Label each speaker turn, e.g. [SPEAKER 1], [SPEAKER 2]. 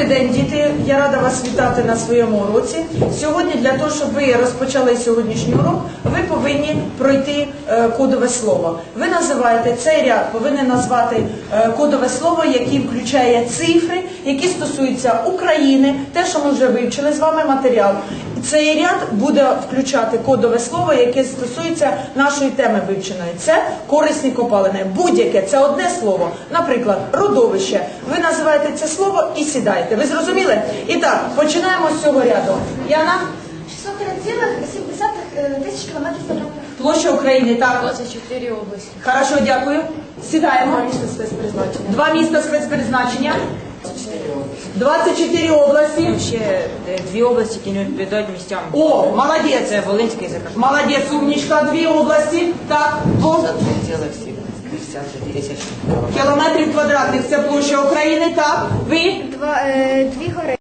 [SPEAKER 1] день, діти! Я рада вас вітати на своєму уроці. Сьогодні для того, щоб ви розпочали сьогоднішній урок, ви повинні пройти кодове слово. Ви називаєте цей ряд, повинні назвати кодове слово, яке включає цифри, які стосуються України, те, що ми вже вивчили з вами матеріал. Цей ряд буде включати кодове слово, яке стосується нашої теми вивченої. Це корисні копалини. Будь-яке, це одне слово. Наприклад, родовище. Ви називаєте це слово і сідаєте. Ви зрозуміли? І так, починаємо з цього ряду. Яна?
[SPEAKER 2] 603,7 тисяч кілометрів квадратних.
[SPEAKER 1] Площа України, так.
[SPEAKER 2] 24 області.
[SPEAKER 1] Хорошо, дякую. Сідаємо.
[SPEAKER 2] 2 міста спецпризначення.
[SPEAKER 1] 2 міста спецпризначення. 24 області.
[SPEAKER 3] Ще 2 області, які не відповідають місцям.
[SPEAKER 1] О, молодець.
[SPEAKER 3] Це Волинська і Закарпаття.
[SPEAKER 1] Молодець, умничка. 2 області. Так, по
[SPEAKER 3] 63 тисячі.
[SPEAKER 1] кілометрів квадратних. Це площа України, так. Ви?
[SPEAKER 2] 2 гори.